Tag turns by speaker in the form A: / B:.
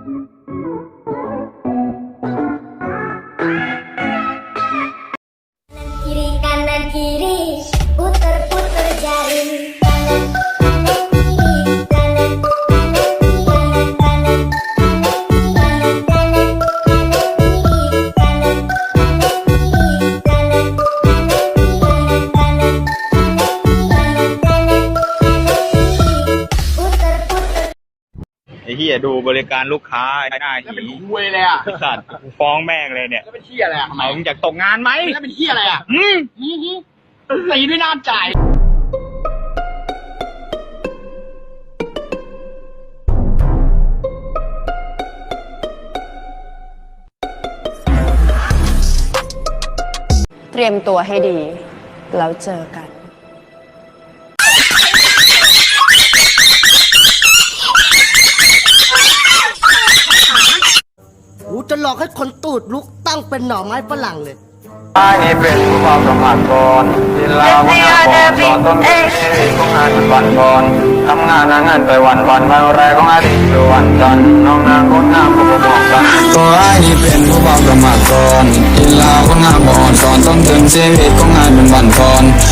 A: Kiri kanan kiri puter-puter jari kanan kanan kiri kanan kanan kiri kanan kanan kiri kanan kanan kiri kanan kanan kiri kanan kanan kiri kanan puter-puter
B: ไอ้เหี้ยดูบริการลูกค้าไอ้หน้า
C: แล้วเป็น
B: หี
C: คุยเลยอ่ะ
B: สัตว์กูฟ้องแม่งเลยเนี่ย
C: แล้วเป็นเที่ยอะไรอ่ะทำไม
B: มึงอยากตกงานไหม
C: แล้วเป็นเที่ยอะไรอ่ะ
B: อืม
C: ตีด้วยน้ำจ่าย
D: เตรียมตัวให้ดี แล้วเจอกัน
E: กูจะหลอกให้คนตูดลุกตั้งเป็นหน่อไม้ฝรั่งเลย
F: ไอ้นี่เป็นผู้ความสมัครก่อนดินลาวงานก่อนตอนต้นปีนี้ของงานเป็นวันก่อนทำงานหาเงินไปวันวันแรกของอาทิตย์คือวันจันทร์น้องนางคนงามก็บอกกันก็ไอ้นี่เป็นผู้ความสมัครก่อนดินลาวงานก่อนตอนต้นถึงชีวิตของงานเป็นวันก่อน